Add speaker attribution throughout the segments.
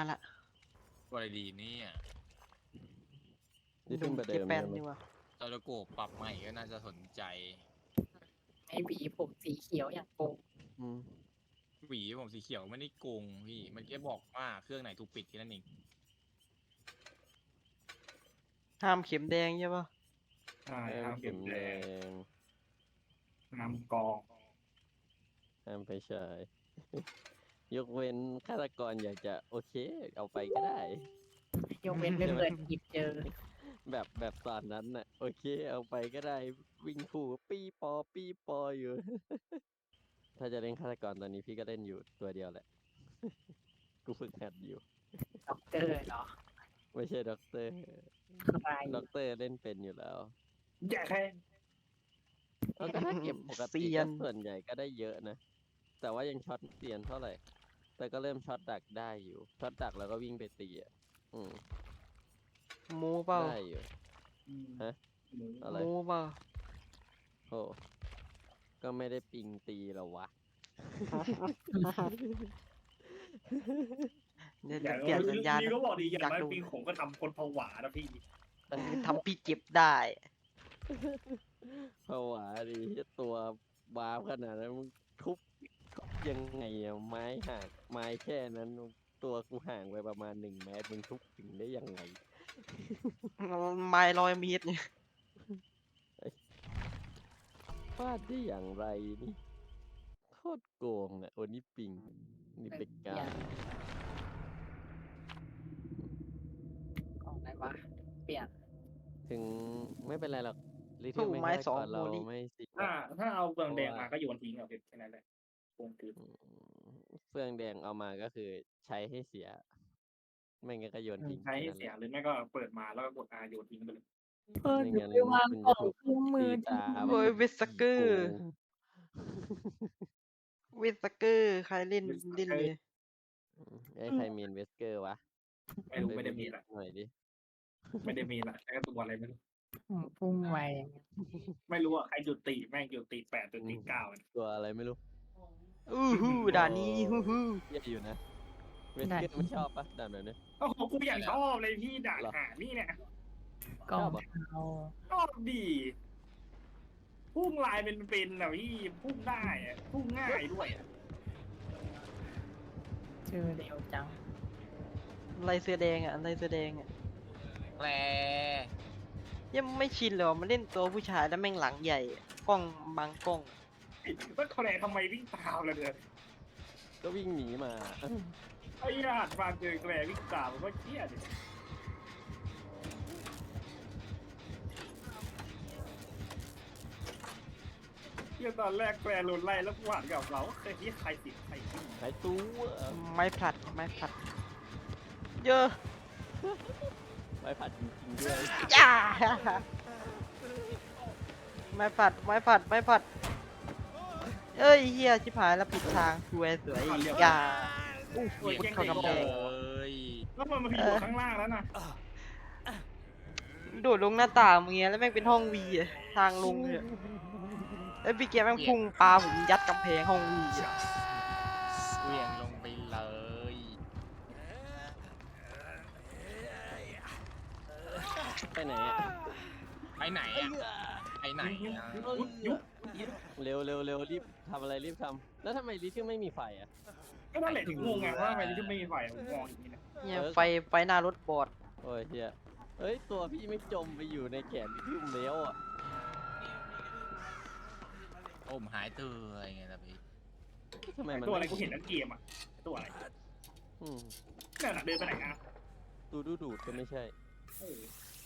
Speaker 1: ละ
Speaker 2: ตัวอะไรดีเนี่ย
Speaker 3: นี่ขึ้นประเดิ
Speaker 1: เจ
Speaker 3: ม
Speaker 1: แปน
Speaker 3: ใช่ไหม
Speaker 1: นี่วะ
Speaker 2: ตอร์โกปรับใหม่ก็น่าจะสนใจ
Speaker 4: ไม่หวีผมสีเขียวอย่างโกง
Speaker 3: อืม
Speaker 2: หวีผมสีเขียวไม่ได้โกงพี่ มันแค่บอกว่าเครื่องไหนถูกปิดแค่นั้นเอง
Speaker 1: ห้ามเข็มแดงใช่ปะ
Speaker 5: ใช่
Speaker 3: ห้า
Speaker 5: ห้าม ม
Speaker 3: เข็
Speaker 5: เก็
Speaker 3: ม
Speaker 5: บ
Speaker 3: แด
Speaker 5: แดง
Speaker 3: ง
Speaker 5: ห้ามกอง
Speaker 3: ห้ามไปใช้ ยกเว้นฆาตกรอยากจะโอเค เอาไปก็ได้
Speaker 4: ยกเว้นไปเปิดหยิบเจอ
Speaker 3: แบบตอนนั้นน่ะ โอเค เอาไปก็ได้ วิ่งคู่ปี้ปออยู่ ถ้าจะเล่นฆาตกรตอนนี้พี่ก็เล่นอยู่ตัวเดียวแหละ กูฝึกหัดอยู่
Speaker 4: ด็อกเตอร์เหรอ
Speaker 3: ไม่ใช่ด็อกเตอร์
Speaker 4: ใคร
Speaker 3: ด็อกเตอร์เล่นเป็นอยู่แล้ว
Speaker 5: อย่าแค่
Speaker 3: แล้วก็ถ้าเก็บปกติ
Speaker 1: เซีย
Speaker 3: ก็
Speaker 1: น
Speaker 3: ส่วนใหญ่ก็ได้เยอะนะ แต่ว่ายังช็อตเซียนเท่าไหร่ แต่ก็เริ่มช็อตดักได้อยู่ ช็อตดักแล้วก็วิ่งไปตีอ่ะ อืม
Speaker 1: หมูเปล่า
Speaker 3: ได้อยู่ ฮะ อะไร
Speaker 1: หมูเปล่า
Speaker 3: โอ้ก็ไม่ได้ปิงตีหรอวะ
Speaker 1: เดี๋ยว
Speaker 5: อย่า
Speaker 1: เปลี่ยนสัญญาณ
Speaker 5: พี่ก็บอกดีอย่าง
Speaker 1: อยาก
Speaker 5: น้อย
Speaker 1: ดู
Speaker 5: ปีผมก็ทำคนผวานะพี่
Speaker 1: ทำพี่เจ็บได้
Speaker 3: ผวาดิตัวบาฟขนาดนั้นมึงทุบยังไงอะไม้ห่างไม้แค่นั้นตัวกูห่างไปประมาณ1 เมตรมึงทุบถึงได้ยังไง
Speaker 1: ไม้100 เมตรเนี่ย
Speaker 3: ฟาดได้อย่างไรนี่โคตรโกงอ่ะโอนี่ปิงนี่เป็กกา
Speaker 4: ของอะไรวะ เปลี่ยน
Speaker 3: ถึงไม่เป็นไรหรอกลิ
Speaker 1: สู้
Speaker 3: เทิล
Speaker 1: ไม้
Speaker 3: ไม่
Speaker 1: สอง
Speaker 3: ก่อนเรา
Speaker 1: โมลิ
Speaker 3: ไม่สิ
Speaker 5: ถ้าเอาเบืองแดงมาก็โยนทิ้งเอาแค่นั้นแหละโกงคือ
Speaker 3: เฟืองแดงเอามาก็คือใช้ให้เสีย ไม่งั้นก็โยนทิ้ง
Speaker 5: ใช้ให้
Speaker 3: แค่นั้น
Speaker 5: เสีย
Speaker 3: แหละ
Speaker 5: หรือไม่ก็เปิดมาแล้วก็กด R โยนทิ้งไปเลย
Speaker 4: เพิ่น
Speaker 3: ไม่งั้น
Speaker 4: ไปวาง
Speaker 3: คุณ
Speaker 4: กล่
Speaker 3: จะ
Speaker 4: อง
Speaker 3: ถูก
Speaker 4: เครื่องมื
Speaker 3: ตี
Speaker 4: อ
Speaker 3: ตา
Speaker 1: โอ้ยเวสเกอร์
Speaker 3: โกง
Speaker 1: เวสเกอร์ใครเล่นเล่นเลย
Speaker 3: ไอ้ใครมีนเวสเกอร์วะ
Speaker 5: ไม่รู้ไม่ได้มีละ
Speaker 3: หน่อยดิ
Speaker 5: ไม่ได้มีละแค่ตัวอะไรไม่รู้
Speaker 4: พุ่งไว
Speaker 5: ไม่รู้อ่ะใครจุดตีแม่งจุดตี8จุดตี9
Speaker 3: ตัวอะไรไม่รู้
Speaker 1: อู้หูด่านนี้ฮู้ฮู้
Speaker 3: เยอะอยู่นะเวสเกอร์ไม่ชอบปะด่านแบบนี้
Speaker 5: โอ้โหกูอย่างชอบเลยพี่ด่าน
Speaker 3: เหรอ
Speaker 5: หานี่เนี่ย
Speaker 4: กล่อง
Speaker 3: ชอบเหรอ
Speaker 4: เทา
Speaker 5: ชอบดีพุ่งลายเป็นๆอ่ะพี่พุ่งได้อะพุ่งง่ายด้วยอะ
Speaker 4: ชื่อเร็วจัง
Speaker 1: ลายเสื้อแดงอ่ะลายเสื้อแดงอ่ะ
Speaker 2: แกล
Speaker 1: ยังไม่ชินเลยว่ะมันเล่นตัวผู้ชายแล้วแม่งหลังใหญ่อะกล้องบางกล้อง
Speaker 5: ว่าแคลทำไมวิ่งตามเลยเนี่ย
Speaker 3: ก็วิ่งหนีมา
Speaker 5: ไอ้ญาติมาเจอแคลวิ่งตามมันก็เครียดดิเที่ยตอนแรกแคลโดนไล่แล้วหวานกับเราเคยที่ใครติดใครขึ้น
Speaker 3: หายตัว
Speaker 1: ไม้ผลัดไม้ผลัด เยอะ
Speaker 3: ไปผัดจริงๆด้วย
Speaker 1: จ้าไม้ผลัดไม้ผลัดไม้ผลัดเอ้ยเฮียชิบหายแล้วผิดทางสวยสวยอีกอ่ะอู้หูพุดเข้ากำแพง
Speaker 2: เอ้ย
Speaker 5: แล้วมันมาพิมพ์อยู่ข้างล่างแล้วนะ
Speaker 1: โดดลงหน้าต่างอย่างเงี้ยแล้วแม่งเป็นห้องวีอะทางลงเนี่ยแล้วพี่เกียร์แม่งพุ่งปลาผมยัดกำแพงห้องวีอะ
Speaker 2: เหวี่ยงลงไปเลย
Speaker 3: ไปไหนอะ
Speaker 2: ไปไหนอ่ะไปไหนอ่ะ
Speaker 3: เร็วเร็วเร็วรีบทำอะไรรีบทำแล้วทำไมลิเทิลไม่มีไฟอ่ะ
Speaker 5: ก็นั่นแหละถึงงงไงว่าทำไมที่ไม่มีไฟผมมองอย่างนี้นะ
Speaker 1: เนี่ยไฟหน้ารถบอด
Speaker 3: โอ้ยเฮียเฮ้ยตัวพี่ไม่จมไปอยู่ในแขนลิเทิลแล้วอ่ะ
Speaker 2: โอ้มหายตัวยังไงล่ะพี่
Speaker 3: ทำไมมัน
Speaker 5: ตัวอะไรกูเห็นนั่นเกมอ่ะตัวอะไร
Speaker 3: อืม
Speaker 5: นั่นน่ะเดินไปไหนอ่ะ
Speaker 3: ดูดก็ไม่ใช่
Speaker 5: เออ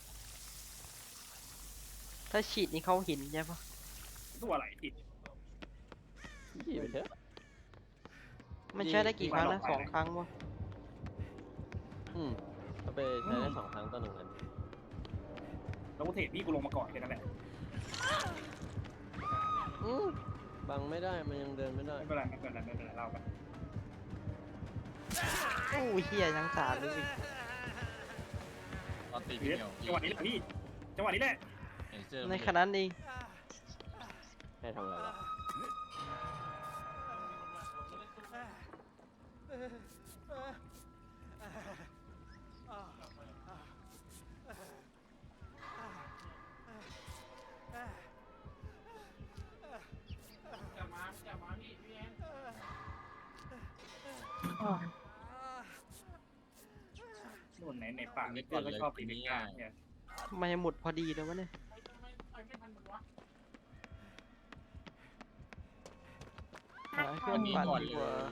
Speaker 1: ถ้าฉีดนี่เขาเห็นใช่ปะ
Speaker 5: ตัวอะไรผิด
Speaker 3: พี่ไปเถอะ
Speaker 1: มันใช้ได้กี่ครั้งนะ2 ครั้งวะ
Speaker 3: อืมก็ไปใช้ได้2 ครั้งต่อ1 อัน
Speaker 5: แล้วกูเทรดพี่กูลงมาก่อนแค่นั้นแหละ
Speaker 3: อืมบังไม่ได้มันยังเดินไม่ได้
Speaker 5: ไม่เป็นไรไม่เป็นไรไม่เป็นไรเราไป
Speaker 1: โอ้ยเฮียยังสาดเลย
Speaker 2: ตอนตี
Speaker 5: เดี๋
Speaker 2: พี่
Speaker 5: ยว
Speaker 2: เหนียว
Speaker 5: จังหวะนี้แหละพี่จังหวะนี้แหละ
Speaker 2: เห็นเสื้อ
Speaker 1: ในขณะนั้นเอง
Speaker 3: ให้ทำอะไรวะ
Speaker 5: นู่นไหนป่าไม่เจอก็ชอบปีนกลางเนี่ย
Speaker 1: ทำไมหมดพอดีเลยวะเนี่ยหาเครื่
Speaker 2: อั
Speaker 1: อน ง
Speaker 2: นี้
Speaker 1: ปั่น
Speaker 2: ก่อน
Speaker 1: ดี
Speaker 2: เล
Speaker 1: กว่า
Speaker 2: ย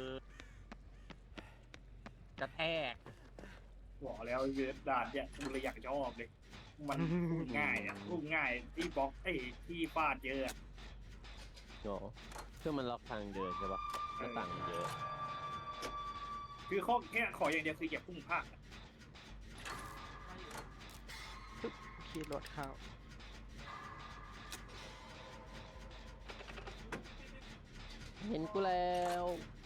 Speaker 2: กระแทก
Speaker 5: บอกแล้วเยอะด่านเนี่ยกูเลยอยากชอบเลย มันอุ้มง่ายอ่ะอุ้มง่ายที่บล็อกที่ฟาดเยอะอะ
Speaker 3: โอ้เพื่อมันล็อกทางเดินใช่ปะหน้าต่างมันเยอะ
Speaker 5: คือข้อแค่ขออย่างเดียวคืออย่าพุ่งพลาดอะ
Speaker 1: ขี่รถเข้า
Speaker 3: เห็นกูแล้ว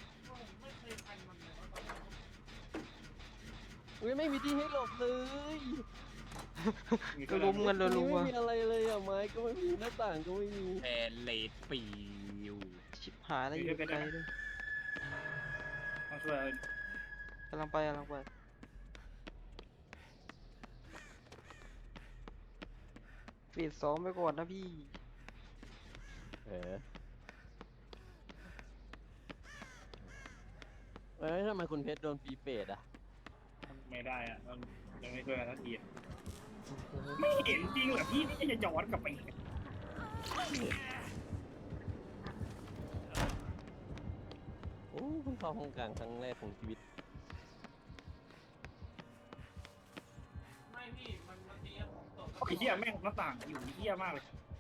Speaker 3: อุ้ยไม่มีที่ให้หลบเลย
Speaker 5: มี
Speaker 1: ก็
Speaker 5: เท่า
Speaker 1: ล้มกันรัว
Speaker 3: ไม่มีอะไรเลยอ่ะไม้ก็ไม่มีหน้าต่างก็ไม่มี
Speaker 2: แทนเลดปิว
Speaker 1: ๆชิบหายแล้วอยู่ไกลเลย
Speaker 5: ต้องช่วย
Speaker 1: กำลังไปฟีด2ไปก่อนนะพี่
Speaker 3: เอ้ยทำไมคุณเพชรโดนปีเปรตอ่ะ
Speaker 5: ไม่ได้อ่ะมันยังไม่ช่วยกันสักทีอะไม่เห็นจริงเหรอพี่นี่จะย้อนกลับไปอีก
Speaker 3: โอ้เพิ่งเข้าห้องกลางครั้งแรกของชีวิต
Speaker 5: ไอ้เหี้ยแม่งหน้าต่างอยู่เหี้ยมากเลย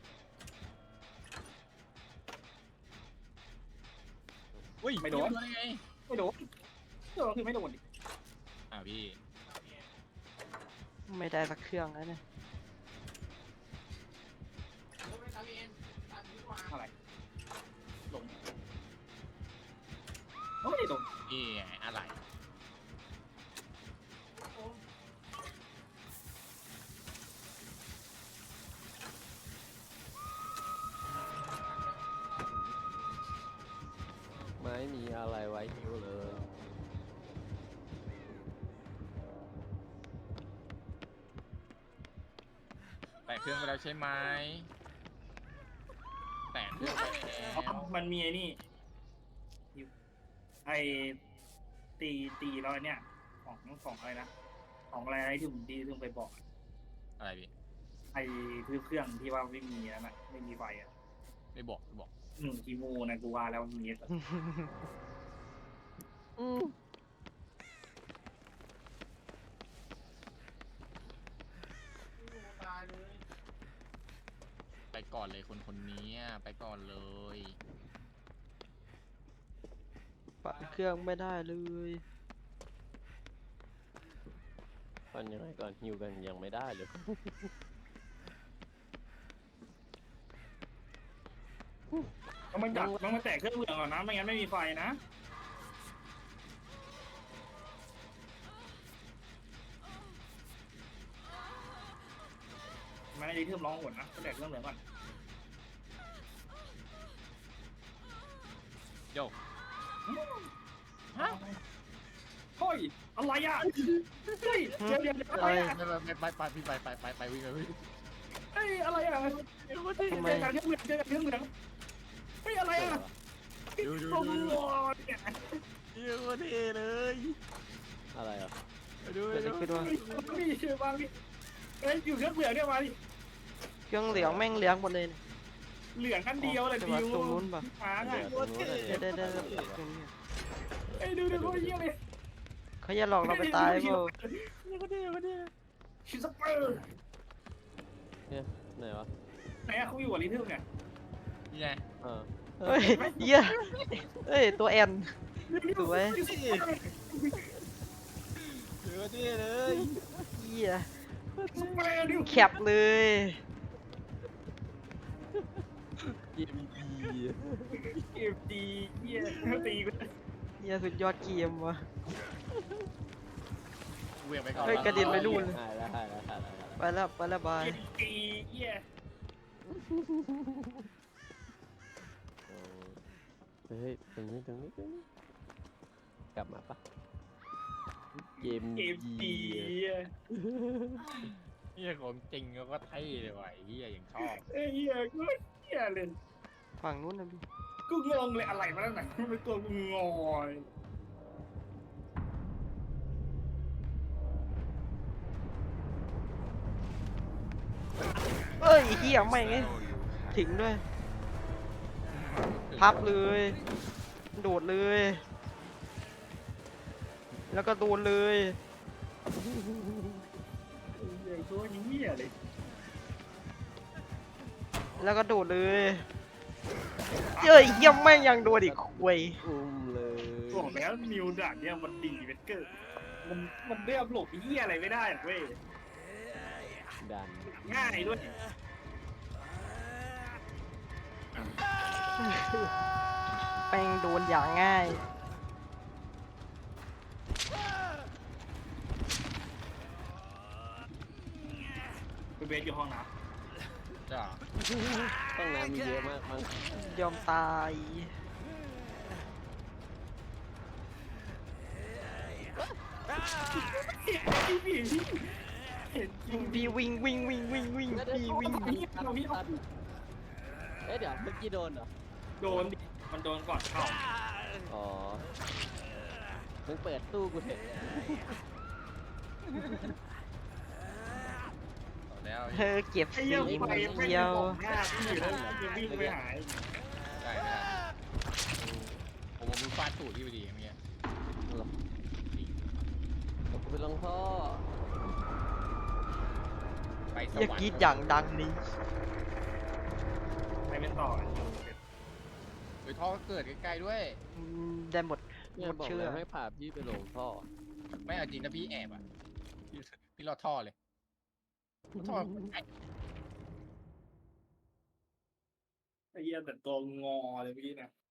Speaker 2: อุ้ย
Speaker 5: ไม่โดน
Speaker 2: ได้ไง
Speaker 5: ไม่โดนคือไม่โดนดิ
Speaker 2: พี่
Speaker 1: ไม่ได้สักเครื่องแล้วเนี่ย
Speaker 5: อะไรลงเฮ้ยลง
Speaker 2: นี่ไงอะไร
Speaker 3: ไม่มีอะไรไว้หิวเลย
Speaker 2: แตะเครื่องไปแล้วใช่ไหมแตะเครื่องไปแล้ว
Speaker 5: มันมีไอ้นี่ไอ้ตีแล้วเนี่ยของอะไรนะของอะไรที่ผมดีที่ผมไปบอก
Speaker 2: อะไรพี่
Speaker 5: ไอ้เครื่องที่ว่าไม่มีนั่นน่ะไม่มีไฟอ่ะ
Speaker 2: ไม่บอก
Speaker 5: คีโมนะกูว่าแล้วมี
Speaker 3: อืม
Speaker 2: ไปก่อนเลยคนนี้ไปก่อนเลย
Speaker 1: ปั่นเครื่องไม่ได้เลย
Speaker 3: ก่อนยังไงก่อนหิวกันยังไม่ได้เลย
Speaker 5: มันมาแตะเครื่องเหลืองก่อนนะไม่งั้นไม่มีไฟนะไม่ได้ที่ร้องหนนะก็แตะเครื่องเหลืองก่อน
Speaker 2: โยก
Speaker 5: เฮ้ยอะไรอ่ะเฮ้ยเดี๋ยวอะไรอ่ะ
Speaker 2: ไปพี่ไปวิ่ง
Speaker 5: เฮ้ยอะไรอ่ะ
Speaker 1: ทำไม
Speaker 5: เจอกันเครื่องเหลืองเฮ้ยอะไรอ่ะ
Speaker 2: ดู
Speaker 5: โอ้โหเนี่ย
Speaker 2: เยอะเท่เลย
Speaker 3: อะไรอ่ะ
Speaker 2: ดู
Speaker 1: เกิดอะไรขึ้นวะ
Speaker 5: นี่เชื่อบ้างนี่เอ้ยอยู่เครื่องเหลืองเนี่ยมาดิ
Speaker 1: เครื่องเหลืองแม่งเหลืองหมดเลยเนี่ย
Speaker 5: เหลืองกันเดียวเลย
Speaker 1: แต่
Speaker 5: ดิ
Speaker 1: ว่าว ตรงนู้นปะ
Speaker 5: หา
Speaker 3: เหลื
Speaker 5: ง่าย
Speaker 3: อตรงนู้นอะ
Speaker 1: ได้
Speaker 3: เนี่ย
Speaker 1: ตรงนี้
Speaker 5: เอ้ยดูเขาเยี่ยเลย
Speaker 1: เขาจะหลอกเราไปตายเปล่า
Speaker 5: ชิสเปอร์
Speaker 3: ไหนวะ
Speaker 5: ไหนอะเขาอยู่กับลิทึมเนี่ย
Speaker 2: นี่ไง
Speaker 3: เออ
Speaker 1: เฮ้ยเหี้ยเฮ้ยตัวแอนสวย
Speaker 2: เยอะเท่เลย
Speaker 1: เหี้ย
Speaker 5: สเปอร์ดิว
Speaker 1: แคปเลย
Speaker 3: เกมดี
Speaker 5: เกมดีเยี่ยตีกู
Speaker 1: เหี้ยสุดยอดเกมว่ะ
Speaker 2: เวียงไปก่อน
Speaker 1: เฮ้ยกระเด็นไปนู่น
Speaker 3: หายแล้ว
Speaker 1: ไปแล้วบาย
Speaker 5: เกมดีเยี่ย
Speaker 3: เฮ้ยตรงนี้กลับมาปะเกม
Speaker 5: เกม
Speaker 3: ดี
Speaker 5: ดีเยี่ย
Speaker 2: นี่ของจริงก็เท่เลยว่ะเฮียอย่างชอบ
Speaker 5: เอ้ยเยี่ยกูเยี่ยเลย
Speaker 1: ฝั่งนู้นนะพี่
Speaker 5: กูงงเลยอะไรมาแล้วไหนมันเป็นตัวกูงอย
Speaker 1: เอ้ยเฮียไม่งถึงด้วย พับเลย โดดเลย แล้วก็โดนเลย
Speaker 5: ไอ้ตัวเหี้ยเลย
Speaker 1: แล้วก็โดดเลยเอ้ยเฮียแม่งยังโดนอีกคุย
Speaker 3: อุ้มเลย
Speaker 5: บอกแล้วนิวด่านเนี่ยมันดีเวเกอร์มันเรียบหลบเหี้ยอะไรไม่ได้หรอกเว้ย
Speaker 3: ดัน
Speaker 5: ง่ายด้วย
Speaker 1: แม่งโดนอย่างง่าย
Speaker 5: ไปเบสอยู่ห้องน้
Speaker 2: จ้า
Speaker 3: ต้องน้ำมีเยอะมากมั้ง
Speaker 1: ยอมตาย
Speaker 5: ำพี่เห็นจริง
Speaker 1: พี่วิ่งวิ่งวิ่งวิ่งวิ่งพี่วิ่ง
Speaker 3: เอ๊ะเดี๋ยวเมื่อกี้โดนเหรอ
Speaker 5: โดนดิมันโดนก่อนเข้า
Speaker 3: อ๋อมึงเปิดตู้กูเถอะ
Speaker 2: ต่อแล้ว
Speaker 1: เธอเก็บ
Speaker 5: ไอ้
Speaker 1: สี
Speaker 5: เหี้ย
Speaker 1: มื
Speaker 5: ไป
Speaker 1: อ
Speaker 5: ไม่
Speaker 1: เดี
Speaker 5: ได้
Speaker 1: ยว
Speaker 5: บอกหน้าพี่แล้วจะวิ่งไปหาย
Speaker 2: ได้ไม่ได้ผมมือฟาดตูดพี่พอดีเมื่อกี้
Speaker 3: หรอกูไปลงท่อ
Speaker 2: ไปส
Speaker 1: เฮียว
Speaker 2: รร
Speaker 1: กรีด
Speaker 2: ค์
Speaker 1: อย่างดังนี้
Speaker 5: ไปเป็นต่อ
Speaker 2: ไปท่อก็เกิดใกล้ๆด้วย
Speaker 1: ได้หมด
Speaker 3: เนี่ย
Speaker 1: หมด
Speaker 3: บอก
Speaker 1: เชื่อ
Speaker 3: แล้วให้พาพี่ไปลงท่อ
Speaker 2: ไม่เอาจริงนะพี่แอบอ่ะพี่รอดท่อเลยท่อไอ้
Speaker 5: ไอ้เหี้ยแต่ตัวงอเลยเมื่อกี้นะ